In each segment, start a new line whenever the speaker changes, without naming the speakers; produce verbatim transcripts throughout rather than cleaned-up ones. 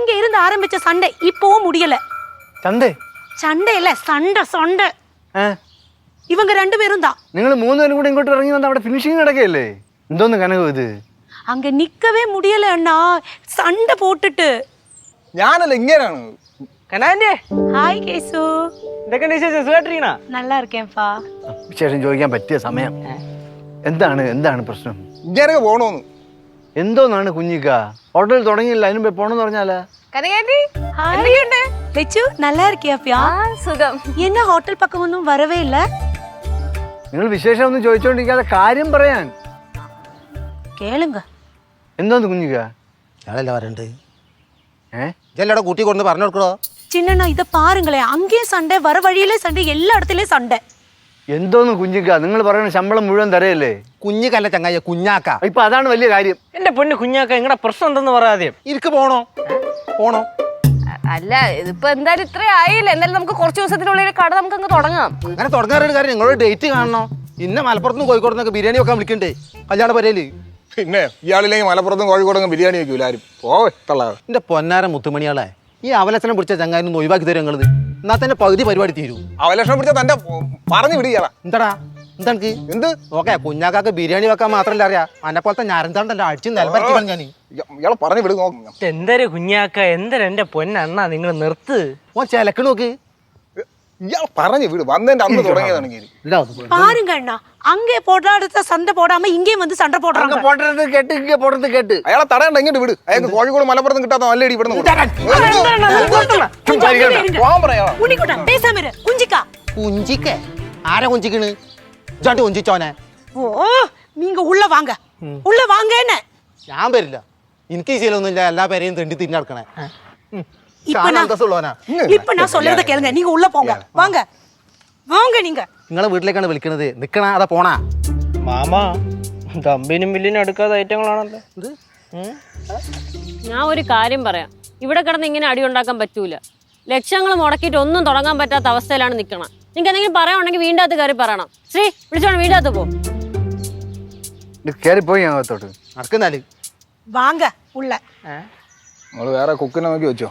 அங்க இருந்து ஆரம்பிச்ச சண்டை இப்பவும் முடியல.
சண்டை
சண்டை இல்ல சண்டை சண்டை. ഇവങ്ക രണ്ടുപേരും தான்.
നിങ്ങൾ മൂന്നുപേരും കൂടി ഇങ്ങോട്ട് ഇറങ്ങി വന്ന് അവിടെ ഫിനിഷിംഗ് നടക്കല്ലേ? എന്തോന്ന് കനകം ഇത്?
அங்க நிக்கவே முடியல அண்ணா, சண்டை போட்டுட்டு.
ഞാനല്ല ഇങ്ങനെയാണ്.
കനാന്റെ
ഹായ് കേസു.
എന്തൊക്കെ വിശേഷം? സുഖമായിട്ടിരിക്കണോ?
நல்லா இருக்கேன்ப்பா.
വിശേഷം ചോദിക്കാൻ പറ്റിയ സമയം. എന്താണ് എന്താണ് പ്രശ്നം?
ഇങ്ങനെ പോണോന്ന്.
എന്തോന്നാണ് കുഞ്ഞിക്ക? ഹോട്ടൽ തുടങ്ങിയില്ല, അതിനുമ്പേ പോണെന്ന് പറഞ്ഞാലാ?
கனகாண்டி എന്തൊക്കെയുണ്ട്? ലച്ചു நல்லா இருக்கியாப்பியா? സുഖം. என்ன ஹோட்டல் பக்கம் ஒன்றும் வரவே இல்ல?
നിങ്ങൾ വിശേഷം ഒന്നും ചോദിച്ചോണ്ടിരിക്കാതെ കാര്യം പറയാൻ
കേളുങ്ക.
എന്തോന്ന് കുഞ്ഞിക്ക?
ഞാനല്ല വരണ്ട്.
ഏഹ്
ഇതെല്ലാടെ കൂട്ടി കൊണ്ട് പറഞ്ഞു കൊടുക്കണോ?
சின்னண்ணா இதை பாருங்களேன், அங்கேயே சண்டை, வர வழியிலே சண்டை, எல்லா இடத்துலயும் சண்டை.
എന്തോന്ന് കുഞ്ഞിക്ക? നിങ്ങൾ പറയുന്ന ശമ്പളം മുഴുവൻ തരയല്ലേ?
കുഞ്ഞിക്കല്ല ചങ്ങായ, കുഞ്ഞാക്ക.
ഇപ്പൊ അതാണ് വലിയ കാര്യം.
എന്റെ പൊന്ന് കുഞ്ഞാക്ക, നിങ്ങളുടെ പ്രശ്നം എന്തെന്ന് പറയാതെ.
ഇരിക്ക് പോണോ പോണോ?
അല്ല, ഇതിപ്പോ എന്തായാലും ഇത്ര ആയില്ല. എന്തായാലും നമുക്ക് കുറച്ച് ദിവസത്തിനുള്ളിൽ കട നമുക്ക് അങ്ങ് തുടങ്ങാം.
അങ്ങനെ തുടങ്ങാറൊരു കാര്യം, നിങ്ങളൊരു ഡേറ്റ് കാണണോ? ഇന്ന മലപ്പുറത്തുനിന്ന് കോഴിക്കോടുന്നൊക്കെ ബിരിയാണി വെക്കാൻ വിളിക്കണ്ടേ കല്യാണ പരിപാടി?
പിന്നെ ഇയാളില്ലെങ്കിൽ മലപ്പുറത്തും കോഴിക്കോടും ബിരിയാണി വെക്കൂല ആരും. പോവേ
എന്റെ പൊന്നാര മുത്തുമണിയാളെ, ഈ അവലക്ഷണം പിടിച്ച ചങ്ങാനും ഒഴിവാക്കി തരും നിങ്ങളത്. എന്നാ തന്നെ പകുതി പരിപാടി തീരും.
അവലക്ഷണം പിടിച്ച തന്റെ പറഞ്ഞു വിടുകയാളാ.
എന്താടാ എന്താ എന്ത് ഓക്കെ? കുഞ്ഞാക്കാക്ക് ബിരിയാണി വെക്കാൻ മാത്രമല്ല അറിയാം, അന്നെ പോലത്തെ ഞാനെന്താണ്ടല്ലോ അടിച്ച് നിലപ്പരത്തി ഞാൻ.
ഇയാളെ പറഞ്ഞു വിടുക.
എന്തൊരു കുഞ്ഞാക്ക, എന്തൊരു എന്റെ പൊന്നണ്ണ, നിങ്ങൾ നിർത്ത്.
ഓ ചിലക്ക് നോക്ക്.
ഇയാൾ പറഞ്ഞു വിട്. വന്നതിന്റെ അന്ന് തുടങ്ങിയതാണെങ്കിൽ
பாருங்க அண்ணா, அங்கே போடாத சண்டை போடாம இங்கே வந்து சண்டை போடுறாங்க.
പോട്ടത് കേട്ട് ഇങ്ങനെ പോട്ടത് കേട്ട്
അയാളെ തടയണ്ട, ഇങ്ങോട്ട് വിട്. അയാൾക്ക് കോഴിക്കോട് മലപ്പുറത്തും കിട്ടാത്ത നല്ല ഇടി ഇവിടുന്ന് പോകാൻ പറയാ.
ഉണ്ണിക്കുട്ടാ பேசாம இரு. குஞ்சிக்கா
കുഞ്ചിക്ക് ആരാ കുഞ്ചിക്കണ്? ജാണ്ടി കുഞ്ചിച്ചോനെ.
ஓ, நீங்க உள்ள வாங்க, உள்ள வாங்க. என்ன
ഞാൻ വരില്ല, എനിക്ക് ഈ ശീലമൊന്നുമില്ല എല്ലാ പേരെയും തെണ്ടി തിരിഞ്ഞടക്കണേ.
இப்ப நான் இப்ப நான் சொல்றத கேளுங்க, நீங்க உள்ள போங்க. வாங்க வாங்க. நீங்க
നിങ്ങളെ വീട്ടിലേക്കാണ് വിളിക്കണത്. നിക്കണ അതാ പോണാ?
മാമാ, കമ്പനിയും ബില്ലിനും എടുക്കാത്ത ഐറ്റങ്ങളാണല്ലോ.
ഞാൻ ഒരു കാര്യം പറയാം, ഇവിടെ കിടന്ന് ഇങ്ങനെ അടി ഉണ്ടാക്കാൻ പറ്റൂല. ലക്ഷങ്ങൾ മുടക്കിയിട്ട് ഒന്നും തുടങ്ങാൻ പറ്റാത്ത അവസ്ഥയിലാണ് നിൽക്കണം. നിങ്ങൾക്ക് എന്തെങ്കിലും പറയാനുണ്ടെങ്കിൽ വീണ്ടും അത് കയറി പറയണം. ശ്രീ വിളിച്ചോണം, വീണ്ടും അത് പോ.
കയറി പോയി അകത്തോട്ട്
നടക്കുന്നാല്
வாங்க உள்ள.
നമ്മള് വേറെ കുക്കിനെ നോക്കി വെച്ചോ.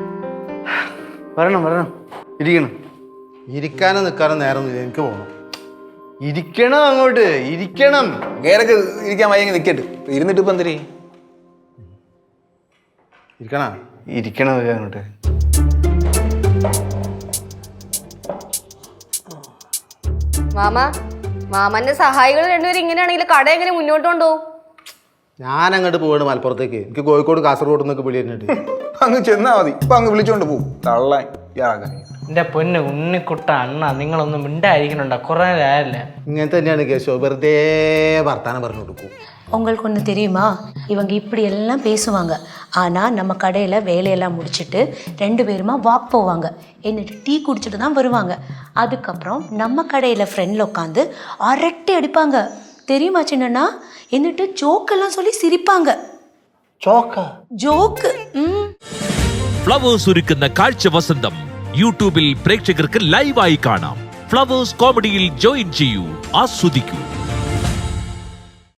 വരണം വരണം. ഇരിക്കണം.
ഇരിക്കാനും നിൽക്കാനും നേരം എനിക്ക് പോകണം.
ഇരിക്കണം, അങ്ങോട്ട് ഇരിക്കണം.
കേരക്ക് ഇരിക്കാൻ വയ്യെങ്കിൽ നിൽക്കട്ട്. ഇരുന്നിട്ട് ഇപ്പൊ എന്തിരി
ഇരിക്കണ
ഇരിക്കണം അങ്ങോട്ട്.
മാമ, മാമന്റെ സഹായികൾ രണ്ടുപേരും ഇങ്ങനെയാണെങ്കിൽ കട എങ്ങനെ മുന്നോട്ട് കൊണ്ടുപോകും?
ഞാൻ അങ്ങോട്ട് പോവാണ് മലപ്പുറത്തേക്ക്. എനിക്ക് കോഴിക്കോട് കാസർഗോഡ് നിന്നൊക്കെ വിളി തരുന്നുണ്ട്.
അങ്ങ് ചെന്നാ മതി. ഇപ്പൊ അങ്ങ് വിളിച്ചോണ്ട് പോകും. തള്ളാൻ ഇയാളാക്കാൻ.
എന്റെ പൊന്ന് ഉണ്ണിക്കുട്ട അണ്ണ, നിങ്ങളൊന്നും മിണ്ടായിരിക്കണുണ്ടോ? കുറെ നേരല്ല.
ഇങ്ങനെ തന്നെയാണ് കേശോ, വെറുതെ വർത്താനം പറഞ്ഞു കൊടുക്കും.
உங்களுக்கு ஒன்று தெரியுமா, இவங்க இப்படி எல்லாம் பேசுவாங்க. ஆனால் நம்ம கடையில் வேலையெல்லாம் முடிச்சுட்டு ரெண்டு பேருமா வாக் போவாங்க. എന്നിട്ട് டீ குடிச்சிட்டு தான் வருவாங்க. அதுக்கப்புறம் நம்ம கடையில் ஃப்ரெண்டில் உட்காந்து அரட்டை அடிப்பாங்க. தெரியுமா சின்னண்ணா? എന്നിട്ട് ஜோக்கெல்லாம் சொல்லி சிரிப்பாங்க.
ചോക്ക
ജോക്ക്.
ഫ്ലവേഴ്സ് ഒരുക്കുന്ന കാഴ്ച വസന്തം യൂട്യൂബിൽ പ്രേക്ഷകർക്ക് ലൈവായി കാണാം. ഫ്ലവേഴ്സ് കോമഡിയിൽ ജോയിൻ ചെയ്യൂ, ആസ്വദിക്കൂ.